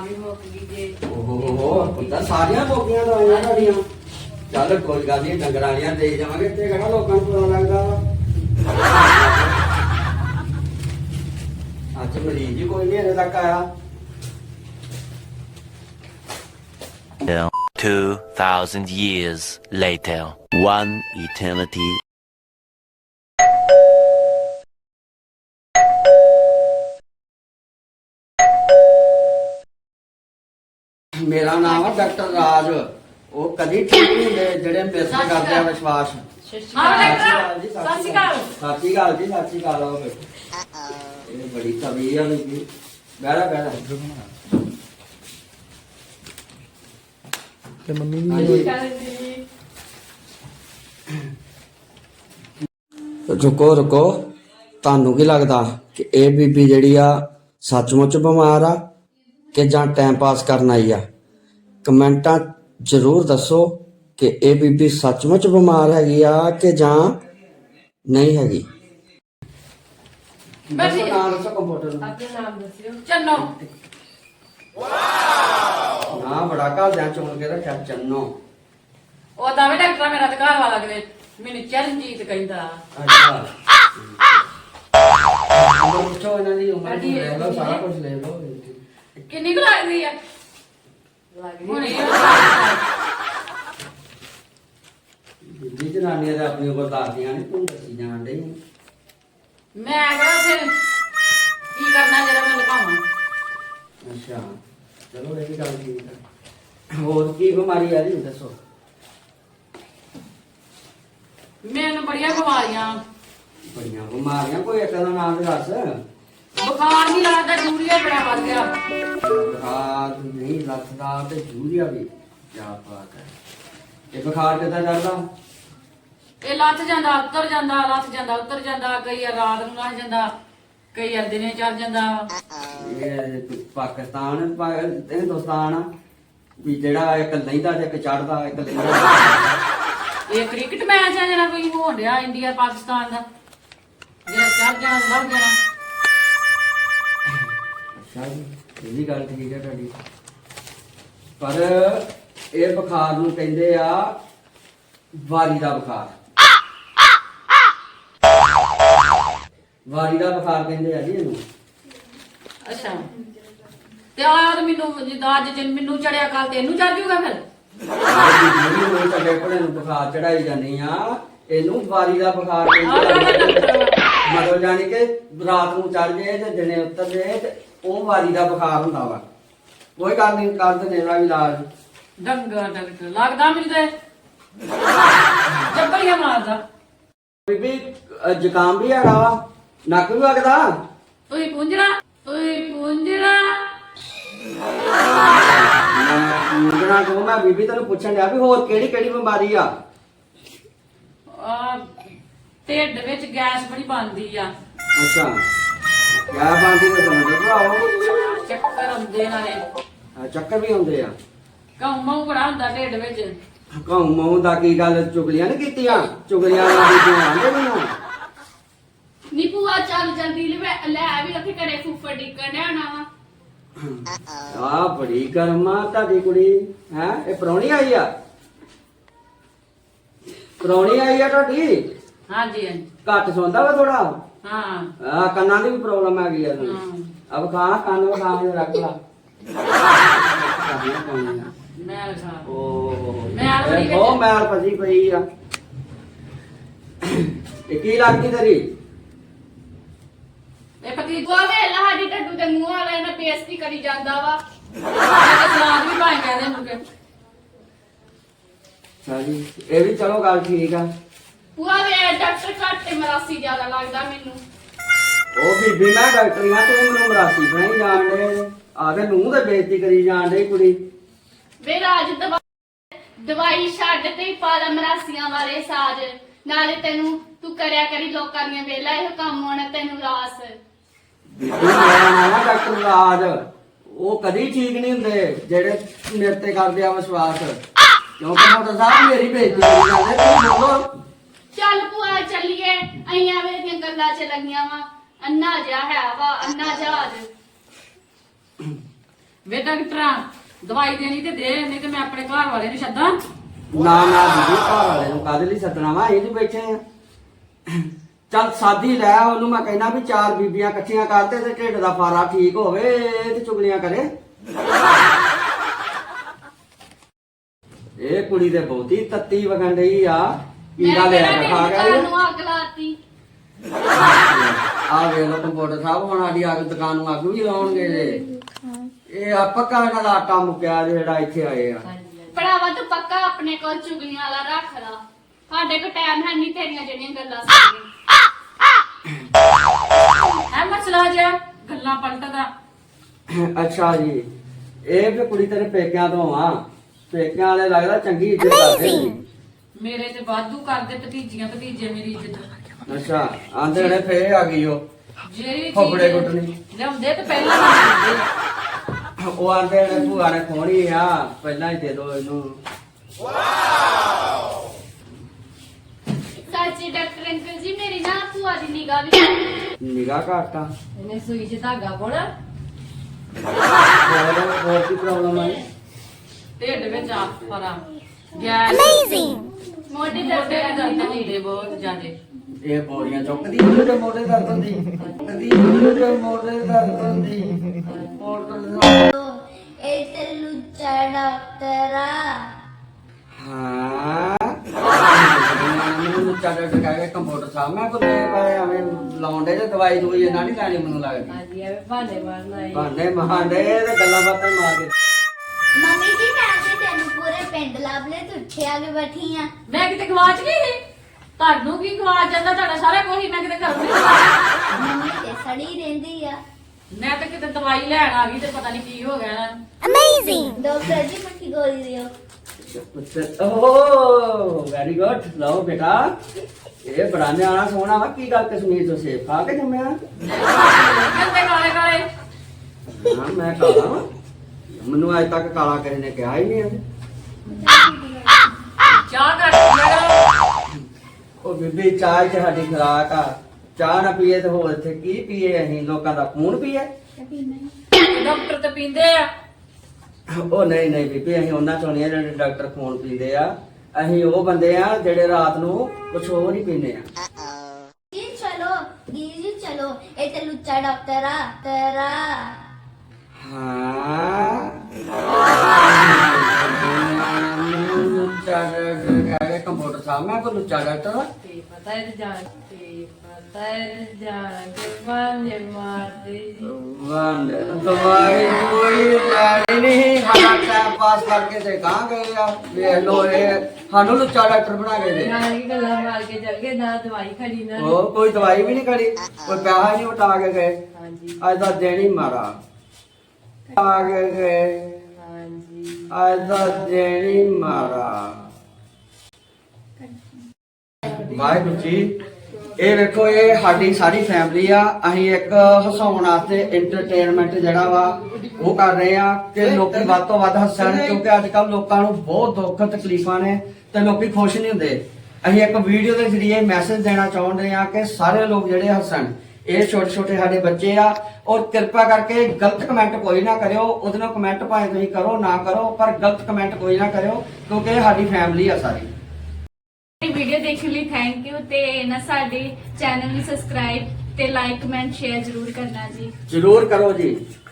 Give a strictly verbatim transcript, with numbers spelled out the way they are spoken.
ਵੀ ਮੁੱਕ ਗਈ ਜੇ ਓਹੋ ਪੁੱਤਾਂ ਸਾਰੀਆਂ ਮੁੱਕੀਆਂ ਦਵਾਈਆਂ ਤੁਹਾਡੀਆਂ। ਚੱਲ ਕੋਈ ਗੱਲ ਨਹੀਂ, ਡੰਗਰਾਂ ਵਾਲੀਆਂ ਦੇ ਜਾਵਾਂਗੇ ਤੇ ਕਿਹੜਾ ਲੋਕਾਂ ਨੂੰ ਪਤਾ ਲੱਗਦਾ ਵਾ। ਅੱਜ ਮਰੀਜ਼ ਹੀ ਕੋਈ ਨਹੀਂ ਹਜੇ ਤੱਕ ਆਇਆ। Two thousand years later, one eternity. ਮੇਰਾ ਨਾਮ ਆ ਡਾਕਟਰ ਰਾਜ। ਉਹ ਕਦੀ ਠੀਕ ਨਹੀਂ ਹੁੰਦੇ ਜਿਹੜੇ ਮਿਸ ਕਰਦੇ ਆ ਵਿਸ਼ਵਾਸ। ਹਾਂ ਸਤਿ ਡਾਕਟਰ ਸ਼੍ਰੀ ਸਤਿ ਸ਼੍ਰੀ ਅਕਾਲ। ਸਤਿ ਸ਼੍ਰੀ ਅਕਾਲ ਜੀ, ਸਤਿ ਸ਼੍ਰੀ ਅਕਾਲ। ਆਓ ਬੈਠੋ। ਇਹ ਬੜੀ ਤਬੀਅਤ ਆ ਬੀਬੀ। ਬਹਿਰਾ ਬਹਿਰਾ ਤੇ ਮੰਮੀ ਵੀ ਹਾਂਜੀ। ਰੁਕੋ ਰੁਕੋ, ਤੁਹਾਨੂੰ ਕੀ ਲੱਗਦਾ ਕਿ ਇਹ ਬੀਬੀ ਜਿਹੜੀ ਆ ਸੱਚਮੁੱਚ ਬਿਮਾਰ ਆ ਕਿ ਜਾਂ ਟਾਈਮ ਪਾਸ ਕਰਨ ਆਈ ਆ? ਕਮੈਂਟਾਂ ਜ਼ਰੂਰ ਦੱਸੋ ਕਿ ਇਹ ਬੀਬੀ ਸੱਚਮੁੱਚ ਬਿਮਾਰ ਹੈਗੀ ਆ ਕਿ ਜਾਂ ਨਹੀਂ ਹੈਗੀ। ਬੈਠੀ। ਦੱਸੋ ਨਾਮ ਦੱਸੋ ਕੰਪਿਊਟਰ ਨੂੰ। ਆਪਣਾ ਨਾਮ ਦੱਸਿਓ। ਚੰਨੋ। ਨਾ ਬੜਾ ਘਰਦਿਆਂ ਚੁਣ ਕੇ ਰੱਖਿਆ ਚੰਨੋ। ਉਹ ਤਾਂ ਵੀ ਡਾਕਟਰ ਮੇਰਾ ਤੇ ਘਰ ਵਾਲਾ ਕਿਤੇ ਮੈਨੂੰ ਚਰਨਜੀਤ ਕਹਿੰਦਾ। ਅੱਛਾ ਉਮਰ ਪੁੱਛੋ ਇਹਨਾਂ ਦੀ ਉਮਰ ਨੂੰ ਲੈ ਲਓ, ਸਾਰਾ ਕੁਝ ਲੈ ਲਓ। ਕਿੰਨੀ ਕੁ ਲੱਗਦੀ ਆ? ਲੱਗਦੀ ਹੁਣੇ ਬੀਬੀ ਜਨਾਨੀਆਂ ਦਾ ਆਪਣੀ ਉਮਰ ਦੱਸਦੀਆਂ ਨੇ, ਤੂੰ ਦੱਸੀ ਜਾਣ ਡਈ। ਮੈਂ ਕਿਹਾ ਫਿਰ ਕੀ ਕਰਨਾ ਜਿਹੜਾ ਮੈਂ ਲਗਾਵਾਂ। ਅੱਛਾ ਚਲੋ ਇਹ ਵੀ ਗੱਲ ਠੀਕ ਹੈ। ਹੋਰ ਕੀ ਬਿਮਾਰੀ ਆ ਰਹੀ ਦੱਸੋ। ਮੈਨੂੰ ਬੜੀਆਂ ਬਿਮਾਰੀਆਂ, ਬੜੀਆਂ ਬਿਮਾਰੀਆਂ, ਕੋਈ ਇੱਕ ਦਾ ਨਾਮ ਤੇ ਦੱਸ। ਬੁਖਾਰ ਨਹੀਂ ਲੱਗਦਾ, ਯੂਰੀਆ ਬੜਾ ਵੱਧ ਗਿਆ। ਬੁਖਾਰ ਨਹੀਂ ਲੱਥਦਾ ਤੇ ਯੂਰੀਆ ਵੀ, ਕੀ ਬਾਤ ਹੈ। ਇਹ ਬੁਖਾਰ ਕਿੱਦਾਂ ਚੜਦਾ? ਇਹ ਲੱਥ ਜਾਂਦਾ ਉੱਤਰ ਜਾਂਦਾ, ਲੱਥ ਜਾਂਦਾ ਉੱਤਰ ਜਾਂਦਾ, ਕਈ ਵਾਰ ਰਾਤ ਨੂੰ ਲੱਥ ਜਾਂਦਾ, ਕਈ ਵਾਰ ਦਿਨੇ ਚੜ ਜਾਂਦਾ। ਇਹ ਪਾਕਿਸਤਾਨ ਪਾ- ਹਿੰਦੁਸਤਾਨ ਆ ਵੀ ਜਿਹੜਾ ਇੱਕ ਲੈਂਦਾ ਤੇ ਇੱਕ ਚੜਦਾ, ਇੱਕ ਲੈਂਦਾ। ਇਹ ਕ੍ਰਿਕਟ ਮੈਚ ਆ ਜਿਹੜਾ ਕੋਈ ਹੋਣ ਡਿਆ ਇੰਡੀਆ ਪਾਕਿਸਤਾਨ ਦਾ, ਜਿਹੜਾ ਚੜ ਜਾਣਾ ਲੱਭ ਜਾਣਾ। ਅੱਛਾ ਜੀ, ਇਹ ਵੀ ਗੱਲ ਠੀਕ ਹੈ ਤੁਹਾਡੀ। ਪਰ ਇਹ ਬੁਖਾਰ ਨੂੰ ਕਹਿੰਦੇ ਆ ਵਾਰੀ ਦਾ ਬੁਖਾਰ। ਵਾਰੀ ਦਾ ਬੁਖਾਰ ਕਹਿੰਦੇ ਆ ਜੀ ਇਹਨੂੰ। ਅੱਛਾ ਤੇ ਆਹ ਮੈਨੂੰ ਜਿੱਦਾਂ ਅੱਜ ਜਿਨ ਮੈਨੂੰ ਚੜਿਆ ਕੱਲ ਤੇ ਇਹਨੂੰ ਚੜ ਜੂਗਾ ਫਿਰ। ਜਿਹੜੀ ਹੋਈ ਤਾਂ ਕੋਲੇ ਨੂੰ ਬੁਖਾਰ ਚੜਾਈ ਜਾਂਦੀ ਆ, ਇਹਨੂੰ ਵਾਰੀ ਦਾ ਬੁਖਾਰ ਕਹਿੰਦੇ ਆ। ਮਤਲਬ ਜਾਨੀ ਕਿ ਰਾਤ ਨੂੰ ਚੜ ਜੇ ਤੇ ਦਿਨੇ ਉਤਰ ਜੇ ਤੇ ਉਹ ਵਾਰੀ ਦਾ ਬੁਖਾਰ ਹੁੰਦਾ ਵਾ। ਕੋਈ ਗੱਲ ਨਹੀਂ, ਕਰ ਦਿੰਦੇ ਇਹਦਾ ਵੀ ਇਲਾਜ। ਡੰਗਾ ਡਾਕਟਰ ਲੱਗਦਾ ਮੈਨੂੰ ਤੇ ਜੱਬੜੀਆਂ ਮਾਰਦਾ। ਬੀਬੀ ਅਹ ਜ਼ੁਕਾਮ ਵੀ ਹੈਗਾ ਵਾ, ਨੱਕ ਵੀ ਵਗਦਾ। ਤੁਸੀਂ ਪੁੰਜਣਾ ਤੁਸੀਂ ਪੁੰਜਣਾ ਮੈਂ ਮੁੰਡਣਾ ਕੋ ਮੈਂ ਬੀਬੀ ਤੈਨੂੰ ਪੁੱਛਣ ਡਿਆ ਵੀ ਹੋਰ ਕਿਹੜੀ ਕਿਹੜੀ ਬਿਮਾਰੀ ਆ? ਆ ਢਿੱਡ ਵਿੱਚ ਗੈਸ ਬੜੀ ਬਣਦੀ ਆ, ਅੱਛਾ ਕਿਆ ਬਾਂਦੀ ਤੇ ਸਮਝ ਭਰਾਓ। ਚੱਕਰ ਆਉਂਦੇ ਨਾਲੇ, ਆਹ ਚੱਕਰ ਵੀ ਆਉਂਦੇ ਆ। ਕੌਮਾ ਬੜਾ ਹੁੰਦਾ ਢਿੱਡ ਵਿੱਚ। ਕਹੂੰ ਮੂੰਹ ਦਾ ਕੀ ਗੱਲ, ਚੁਗਲੀਆਂ ਨੀ ਕੀਤੀਆਂ? ਚੁਗਲੀਆਂ ਨਾਲ ਬੀਬੀਆਂ ਆਂਦੇ ਮੈਨੂੰ। ਨੀ ਭੂਆ ਚੱਲ ਜਲਦੀ ਲੈ ਲੈ ਵੀ ਉੱਥੇ ਘਰੇ ਫੁੱਫੜ ਡਿੱਕਣ ਆਣਾ ਵਾ। ਆ ਬੜੀ ਗਰਮਾ ਤੁਹਾਡੀ ਕੁੜੀ ਹੈ। ਇਹ ਪ੍ਰਾਹੁਣੀ ਆਈ ਆ? ਪ੍ਰਾਹੁਣੀ ਆਈ ਆ ਤੁਹਾਡੀ? ਹਾਂਜੀ ਹਾਂਜੀ ਘੱਟ ਸੌਂਦਾ ਵਾ ਥੋੜਾ। ਹਾਂ ਆ ਕੰਨਾਂ ਦੀ ਵੀ ਪ੍ਰੋਬਲਮ ਆ ਗਈ ਆ ਹਾਂ। ਤੁਹਾਨੂੰ। ਅਬ ਖਾ ਕੰਨ ਵਿਖਾ ਕੇ ਰੱਖ ਲਾ। ਮੈਂ ਖਾ ਓਹ ਮੈਲ ਬੜੀ ਵਿੱਚ। ਉਹ ਮੈਲ ਫਸੀ ਪਈ ਆ। ਇਹ ਕੀ ਲੱਗਦੀ ਤੇਰੀ? ਇਹ ਪਤੀ ਭੂਆ ਵੇਲਾ ਸਾਡੀ ਟੱਡੂ ਦੇ ਮੂੰਹ ਵਾਲੇ ਨੇ ਬੇਇੱਜ਼ਤੀ ਕਰੀ ਜਾਂਦਾ ਵਾ। ਸਲਾਦ ਵੀ ਭਾਈ ਕਹਿੰਦੇ ਮੁਕੇ। ਹਾਂਜੀ ਇਹ ਵੀ ਚਲੋ ਗੱਲ ਠੀਕ ਆ। ਭੂਆ ਵੇ ਡਾਕਟਰ ਘੱਟ ਤੇ ਮਰਾਸੀ ਜ਼ਿਆਦਾ ਲੱਗਦਾ ਮੈਨੂੰ। ਉਹ ਬੀਬੀ ਮੈਂ ਡਾਕਟਰੀ ਹਾਂ, ਤੂੰ ਮੈਨੂੰ ਮਰਾਸੀ ਬਣਾਈ ਜਾਣ ਡੇ। ਆਦੇ ਮੂੰਹ ਤੇ ਬੇਇੱਜ਼ਤੀ ਕਰੀ ਜਾਣ ਡੇ ਕੁੜੀ। ਵੇ ਰਾਜ ਦਵਾ ਦਵਾਈ ਛੱਡ ਤੇ ਹੀ ਪਾ ਲੈ ਮਰਾਸੀਆਂ ਵਾਲੇ ਸਾਜ। ਨਾਲੇ ਤੈਨੂੰ ਤੂੰ ਕਰਿਆ ਕਰੀ ਲੋਕਾਂ ਦੀਆਂ ਵੇਲਾ ਇਹੋ ਕੰਮ ਹੋਣਾ ਤੈਨੂੰ ਰਾਸ। ਬੀਬੀ ਮੇਰਾ ਨਾਮ ਆ ਡਾਕਟਰ ਰਾਜ। ਉਹ ਕਦੀ ਠੀਕ ਨਹੀਂ ਹੁੰਦੇ ਜਿਹੜੇ ਮੇਰੇ ਤੇ ਕਰਦੇ ਆ ਵਿਸ਼ਵਾਸ। ਕਿਉਂਕਿ ਮੋਟਰ ਸਾਹਿਬ ਮੇਰੀ ਬੇਇੱਜ਼ਤੀ ਕਰੀ ਜਾਂਦੇ। ਤੂੰ ਬੋਲੋ। ਚੱਲ ਭੂਆ ਚੱਲੀਏ, ਅਸੀਂ ਐਵੇਂ ਦੀਆਂ ਗੱਲਾਂ ਚ ਲੱਗੀਆਂ ਵਾ। ਅੰਨਾ ਜਿਹਾ ਹੈ ਵਾ, ਅੰਨਾ ਜਹਾਜ। ਵੇ ਡਾਕਟਰਾਂ ਦਵਾਈ ਦੇਣੀ ਤੇ ਦੇ, ਨਹੀਂ ਤੇ ਮੈਂ ਆਪਣੇ ਘਰ ਵਾਲੇ ਨੂੰ ਛੱਦਾਂ। ਨਾ ਨਾ ਬੀਬੀ, ਘਰ ਵਾਲੇ ਨੂੰ ਕਾਹਦੇ ਲਈ ਸੱਦਣਾ ਵਾ, ਇਹ ਜੀ ਬੈਠੇ ਆ। ਚੱਲ ਸਾਦੀ ਲੈ ਉਹਨੂੰ, ਮੈਂ ਕਹਿਣਾ ਵੀ ਚਾਰ ਬੀਬੀਆਂ ਇਕੱਠੀਆਂ ਕਰਤੇ ਤੇ ਢਿੱਡ ਦਾ ਫਾਰਾ ਠੀਕ ਹੋਵੇ ਤੇ ਚੁਗਲੀਆਂ ਕਰੇ। ਇਹ ਕੁੜੀ ਤੇ ਬਹੁਤੀ ਤੱਤੀ ਵਗਣ ਰਹੀ ਆ, ਕੀੜਾ ਮੈਂ ਲੈ ਕਿਹੜਾ ਕੇ ਖਾ ਤੇਰੀ ਗਿਆ ਦੁਕਾਨ ਨੂੰ ਅੱਗ ਲਾਤੀ। ਆ ਵੇਖ ਲੋ ਕੰਪਿਊਟਰ ਸਾਹਿਬ, ਹੁਣ ਸਾਡੀ ਅੱਗ ਦੁਕਾਨ ਨੂੰ ਅੱਗ ਵੀ ਲਾਉਣਗੇ ਜੇ। ਇਹ ਆ ਪੱਕਾ ਇਹਨਾਂ ਦਾ ਆਟਾ ਮੁੱਕਿਆ ਜਿਹੜਾ ਇੱਥੇ ਆਏ ਆ। ਭਰਾਵਾ ਤੂੰ ਪੱਕਾ ਆਪਣੇ ਕੋਲ ਚੁਗਲੀਆਂ ਵਾਲਾ ਰੱਖ ਲਾ, ਸਾਡੇ ਕੋਲ ਟਾਈਮ ਹੈ ਨਹੀਂ ਤੇਰੀਆਂ ਜਿਹੜੀਆਂ ਗੱਲਾਂ ਸੁਣਨ। ਐ ਮਸਲਾ ਜਿਹਾ ਗੱਲਾਂ ਪਲਟਦਾ। ਅੱਛਾ ਜੀ, ਇਹ ਵੀ ਕੁੜੀ ਤੇਰੇ ਪੇਕਿਆਂ ਤੋਂ ਆ, ਪੇਕਿਆਂ ਵਾਲੇ ਲੱਗਦਾ ਚੰਗੀ ਇੱਜ਼ਤ ਕਰਦੇ ਸੀ। ਮੇਰੇ ਤੇ ਵਾਧੂ ਕਰਦੇ ਭਤੀਜੀਆਂ ਭਤੀਜੇ ਮੇਰੀ ਇੱਜ਼ਤ। ਅੱਛਾ, ਆਂਦੇ ਨੇ ਫੇਰ ਆ ਗਈ ਉਹ ਜਿਹੜੀ ਫੋਫੜੇ ਚੀਜ਼ ਕੁੱਟਣੀ। ਲਿਆਉਂਦੇ ਤੇ ਪਹਿਲਾਂ ਲਿਆਉਂਦੇ। ਉਹ ਆਂਦੇ ਨੇ ਭੂਆ ਨੇ ਖੋਣੀ ਆ, ਪਹਿਲਾਂ ਹੀ ਦੇ ਦੋ ਇਹਨੂੰ। ਸੱਚੀ ਡਾਕਟਰ ਅੰਕਲ ਜੀ, ਮੇਰੀ ਨਾ ਭੂਆ ਦੀ ਨਿਗਾਹ ਵੀ ਘੱਟ। ਨਿਗਾਹ ਘੱਟ ਆ। ਇਹਨੇ ਸੂਈ 'ਚ ਧਾਗਾ ਪਾਉਣਾ, ਹੋਰ ਹੋਰ ਕੀ ਪ੍ਰੋਬਲਮ ਆ? ਢਿੱਡ ਵਿੱਚ ਆ ਫਰਾ ਗੈਸ, ਮੋਢੇ ਮੋਢੇ ਦਰਦ ਦੇ ਦਰਦ ਕਰਦਾ ਹੁੰਦੇ ਬਹੁਤ ਜ਼ਿਆਦੇ। ਇਹ ਬੋਰੀਆਂ ਚੁੱਕਦੀ ਉਹਦੇ ਮੋਢੇ ਦਰਦ ਹੁੰਦੀ, ਚੁੱਕਦੀ ਉਹਦੇ ਮੋਢੇ ਦਰਦ ਹੁੰਦੀ। ਇਹ ਤੇ ਲੁੱਚਾ ਡਾਕਟਰਾ। ਹਾਂ ਮੈਨੂੰ ਚਾਦਰ ਟਕਾ ਕੇ ਕੰਪਿਊਟਰ ਸਾਹਿਬ ਮੈਂ ਕੋਲ ਪਾਏ ਐਵੇਂ ਲਾਉਂਦੇ ਤੇ ਦਵਾਈ ਦੂਈ ਇਹਨਾਂ ਨਹੀਂ ਲੈਣੀ ਮੈਨੂੰ ਲੱਗਦੀ। ਹਾਂਜੀ ਐਵੇਂ ਭਾਂਡੇ ਮਾਰਨਾ ਹੈ। ਭਾਂਡੇ ਮਹਾਂਡੇ ਤੇ ਗੱਲਾਂ ਬਾਤਾਂ ਮਾਰ ਕੇ। ਮੰਮੀ ਜੀ ਮੈਂ ਤੇ ਤੈਨੂੰ ਪੂਰੇ ਪਿੰਡ ਲੱਭ ਲਿਆ, ਤੂੰ ਇੱਥੇ ਆ ਕੇ ਬੈਠੀ ਆ। ਮੈਂ ਕਿਤੇ ਗਵਾਚ ਗਈ ਸੀ? ਤੁਹਾਨੂੰ ਕੀ ਗਵਾਚ ਜਾਂਦਾ? ਤੁਹਾਡਾ ਸਾਰਾ ਕੁਝ ਹੀ ਮੈਂ ਕਿਤੇ ਘਰੋਂ ਨਹੀਂ ਗਵਾਚ। ਮੰਮੀ ਤੇ ਸੜੀ ਰਹਿੰਦੀ ਆ। ਮੈਂ ਤਾਂ ਕਿਤੇ ਦਵਾਈ ਲੈਣ ਆ ਗਈ ਤੇ ਪਤਾ ਨਹੀਂ ਕੀ ਹੋ ਗਿਆ ਨਾ। ਡਾਕਟਰ ਜੀ ਮੱਠੀ ਗੋਲੀ ਦਿਓ। ਓਹ ਵੈਰੀ ਗੁੱਡ, ਲਓ ਬੇਟਾ ਇਹ ਬੜਾ ਨਿਆਣਾ ਸੋਹਣਾ ਵਾ। ਕੀ ਗੱਲ ਕਸ਼ਮੀਰ ਤੋਂ ਸੇਬ ਖਾ ਕੇ ਜੰਮਿਆ? ਕਿੰਨੇ ਕਾਲੇ ਕਾਲੇ। ਹਾਂ ਮੈਂ ਕਾਲਾ ਵਾਂ, ਮੈਨੂੰ ਅੱਜ ਤੱਕ ਕਾਲਾ ਕਿਸੇ ਨੇ ਕਿਹਾ ਹੀ ਨਹੀਂ ਹੈ। ਚਾਹ ਕਰ ਮੇਰਾ। ਉਹ ਬੀਬੀ ਚਾਹ ਚ ਸਾਡੀ ਖੁਰਾਕ ਆ, ਚਾਹ ਨਾ ਪੀਏ ਤੇ ਹੋਰ ਇੱਥੇ ਕੀ ਪੀਏ? ਅਸੀਂ ਲੋਕਾਂ ਦਾ ਖੂਨ ਪੀਏ? ਡਾਕਟਰ ਤੇ ਪੀਂਦੇ ਆ। ਉਹ ਨਹੀਂ ਨਹੀਂ ਬੀਬੀ, ਅਸੀਂ ਉਹਨਾਂ ਚੋਂ ਨਹੀਂ ਆ ਜਿਹੜੇ ਡਾਕਟਰ ਖੂਨ ਪੀਂਦੇ ਆ। ਅਸੀਂ ਉਹ ਬੰਦੇ ਆ ਜਿਹੜੇ ਰਾਤ ਨੂੰ ਕੁਛ ਹੋਰ ਹੀ ਪੀਂਦੇ ਆ। ਜੀ ਚਲੋ ਦੀਦੀ ਜੀ ਚਲੋ, ਇਹ ਤੇ ਲੁੱਚਾ ਡਾਕਟਰਾ ਤੇਰਾ। ਹਾਂ ਲੁੱਚਾ ਡਾਕਟਰ ਕੰਪਿਊਟਰ ਸਾਹਿਬ ਮੈਂ ਕੋ ਲੁੱਚਾ ਡਾਕਟਰ। ਤੇ ਪਤਾ ਹੈ ਜਾਣ ਤੇ ਪਤਾ ਹੈ ਜਾਣ ਕੇ ਬਾਨੇ ਮਾਰਦੇ ਜੀ। ਵੰਡ ਦਵਾਈ ਕੋਈ ਲੈਣੀ ਨਹੀਂ, ਸਾਡਾ ਟਾਈਮ ਪਾਸ ਕਰਕੇ ਤੇ ਕਹਾਂ ਗਏ ਆ। ਵੇਖ ਲੋ ਇਹ ਸਾਨੂੰ ਲੁੱਚਾ ਡਾਕਟਰ ਬਣਾ ਕੇ ਦੇ। ਨਾਲ ਕੀ ਗੱਲਾਂ ਮਾਰ ਕੇ ਚੱਲ ਗਏ, ਨਾ ਦਵਾਈ ਖੜੀ ਨਾ। ਉਹ ਕੋਈ ਦਵਾਈ ਵੀ ਨਹੀਂ ਕਰੀ, ਕੋਈ ਪੈਸਾ ਨਹੀਂ ਉਟਾ ਕੇ ਗਏ। ਹਾਂਜੀ ਅੱਜ ਦਾ ਦਿਨ ਹੀ ਮਾਰਾ ਆ ਕੇ ਗਏ। ਹਾਂਜੀ ਅੱਜ ਦਾ ਦਿਨ ਹੀ ਮਾਰਾ। ਵਾਹਿਗੁਰੂ ਜੀ, ਇਹ ਵੇਖੋ ਇਹ ਸਾਡੀ ਸਾਰੀ ਫੈਮਿਲੀ ਆ। ਅਸੀਂ ਇੱਕ ਹਸਾਉਣ ਵਾਸਤੇ ਐਂਟਰਟੇਨਮੈਂਟ ਜਿਹੜਾ ਵਾ ਉਹ ਕਰ ਰਹੇ ਆ ਕਿ ਲੋਕੀ ਵੱਧ ਤੋਂ ਵੱਧ ਹੱਸਣ, ਕਿਉਂਕਿ ਅੱਜ ਕੱਲ ਲੋਕਾਂ ਨੂੰ ਬਹੁਤ ਦੁੱਖ ਤਕਲੀਫਾਂ ਨੇ ਤੇ ਲੋਕੀ ਖੁਸ਼ ਨਹੀਂ ਹੁੰਦੇ। ਅਸੀਂ ਇੱਕ ਵੀਡੀਓ ਦੇ ਜ਼ਰੀਏ ਮੈਸੇਜ ਦੇਣਾ ਚਾਹੁੰਦੇ ਆ ਕਿ ਸਾਰੇ ਲੋਕ ਜਿਹੜੇ ਹੱਸਣ। ਇਹ ਛੋਟੇ ਛੋਟੇ ਸਾਡੇ ਬੱਚੇ ਆ, ਔਰ ਕਿਰਪਾ ਕਰਕੇ ਗਲਤ ਕਮੈਂਟ ਕੋਈ ਨਾ ਕਰਿਓ। ਉਹਦੇ ਨਾਲ ਕਮੈਂਟ ਭਾਵੇਂ ਤੁਸੀਂ ਕਰੋ ਨਾ ਕਰੋ, ਪਰ ਗਲਤ ਕਮੈਂਟ ਕੋਈ ਨਾ ਕਰਿਓ ਕਿਉਂਕਿ ਇਹ ਸਾਡੀ ਫੈਮਿਲੀ ਆ ਸਾਰੀ। ਵੀਡੀਓ ਦੇਖਣ ਲਈ ਥੈਂਕ ਯੂ, ਤੇ ਨਾ ਸਾਡੇ ਚੈਨਲ ਨੂੰ ਸਬਸਕ੍ਰਾਈਬ ਤੇ ਲਾਈਕ ਕਮੈਂਟ ਸ਼ੇਅਰ ਜ਼ਰੂਰ ਕਰਨਾ ਜੀ। ਜ਼ਰੂਰ ਕਰੋ ਜੀ।